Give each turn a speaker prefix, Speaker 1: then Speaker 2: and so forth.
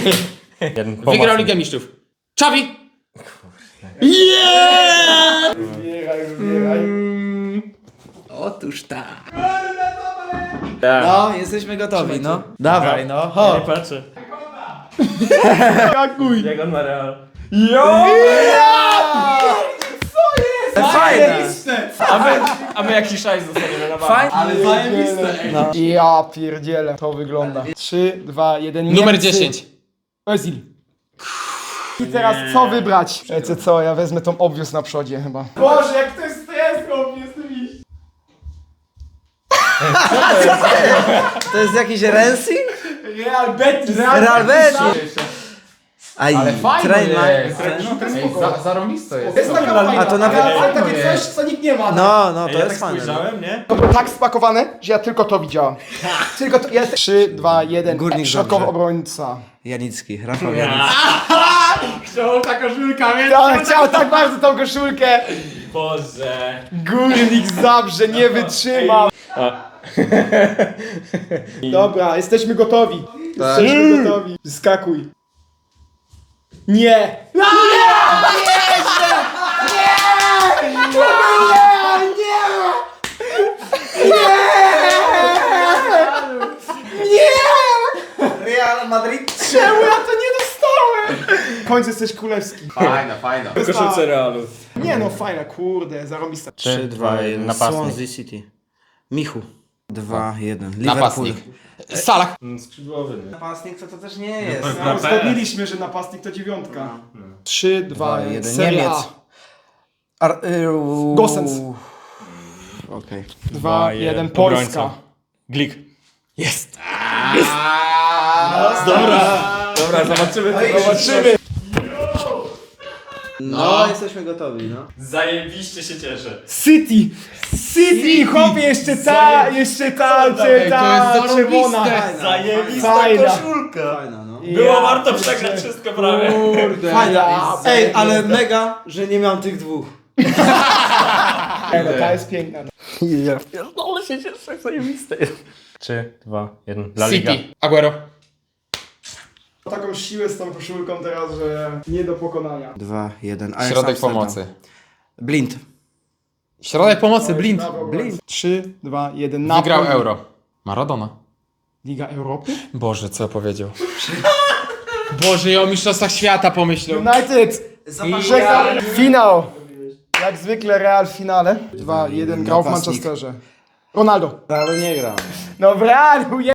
Speaker 1: Wygrał Ligę Mistrzów. Xavi!
Speaker 2: Otóż tak.
Speaker 3: Tak.
Speaker 2: No, jesteśmy gotowi, no. Dawaj, no, chodź.
Speaker 3: Nie patrzę.
Speaker 4: Skakuj!
Speaker 3: Jak on ma real.
Speaker 2: Fajne.
Speaker 3: A my jakiś szajs dostaniemy na bank.
Speaker 2: Fajne.
Speaker 4: Ale zajebiste, ej.
Speaker 2: No.
Speaker 4: Ja pierdzielę, to wygląda. 3, 2, 1,
Speaker 1: Numer 10.
Speaker 4: Özil. I teraz co wybrać? Wiecie co, ja wezmę tą obvious na przodzie chyba. Boże, jak to jest obvious, to iść.
Speaker 2: To jest jakiś Rensing?
Speaker 4: Real Betis.
Speaker 2: Real Betis. Aj,
Speaker 1: Ale fajne
Speaker 2: Trainline.
Speaker 1: jest. Zarąbisto jest.
Speaker 4: Jest taka fajna,
Speaker 2: A to nawet-
Speaker 4: ale takie coś, co nikt nie ma.
Speaker 2: No, no, to
Speaker 3: Ja
Speaker 2: jest
Speaker 3: tak
Speaker 2: fajne.
Speaker 3: spojrzałem, nie?
Speaker 4: To było tak spakowane, że ja tylko to widziałem. Tylko to. 3, 2, 1.
Speaker 2: Górnik
Speaker 4: Środkowy
Speaker 2: dobrze.
Speaker 4: obrońca.
Speaker 2: Janicki, Rafał Janicki.
Speaker 1: Chciał ta koszulka, więc...
Speaker 4: Tak, chciał tak bardzo tą koszulkę.
Speaker 3: Boże.
Speaker 4: Górnik Zabrze nie wytrzymał. Dobra, jesteśmy gotowi. Jesteśmy gotowi. Skakuj. Nie!
Speaker 2: Real Madrid.
Speaker 4: Czemu ja to nie dostałem? W końcu jesteś królewski.
Speaker 1: Fajna.
Speaker 3: Koszulce realu.
Speaker 4: Nie no, fajna, kurde, zarobista.
Speaker 2: 3, 2, 1.
Speaker 3: Napastnik.
Speaker 2: Swansea City. Michu. 2, 1. Liverpool.
Speaker 1: Napastnik. Salah.
Speaker 3: Skrzydłowy, nie?
Speaker 2: Napastnik to też nie jest.
Speaker 3: Na
Speaker 4: Uzgodniliśmy, że napastnik to 9. 3, 2, 1.
Speaker 2: Niemiec.
Speaker 4: Serie A. Gosens.
Speaker 2: Okej.
Speaker 4: 2, 1. Polska.
Speaker 3: Glik.
Speaker 1: Jest.
Speaker 3: Dobra, zobaczymy.
Speaker 4: Zobaczymy.
Speaker 2: No, jesteśmy gotowi, no.
Speaker 3: Zajebiście się cieszę.
Speaker 4: City! City! Chłopie, jeszcze ta czerwona.
Speaker 3: Zajebista
Speaker 4: Fajna.
Speaker 3: koszulka.
Speaker 2: Fajna, no.
Speaker 3: Było warto przegrać wszystko prawie.
Speaker 1: Kurde.
Speaker 2: Fajna. Ej, ale mega, że nie mam tych dwóch.
Speaker 4: Ta jest piękna.
Speaker 3: Pierdolę się cieszę, zajebiste jest. 3, 2, 1. La Liga.
Speaker 1: City. Aguero.
Speaker 4: Taką siłę z tą koszulką teraz, że nie do pokonania.
Speaker 2: 2, 1.
Speaker 1: Środek pomocy.
Speaker 2: Blind.
Speaker 1: Środek pomocy, Blind.
Speaker 4: Blind. 3, 2, 1.
Speaker 1: Wygrał
Speaker 4: Napoli.
Speaker 1: Euro. Maradona.
Speaker 4: Liga Europy?
Speaker 1: Boże, co powiedział? Boże, ja o mistrzostwach świata pomyślał.
Speaker 4: United! Żegnam. Finał! Jak zwykle Real w finale. 2, 1. Grał w
Speaker 2: Napastnik.
Speaker 4: Manchesterze. Ronaldo.
Speaker 2: Ale nie gram.
Speaker 4: No w Realu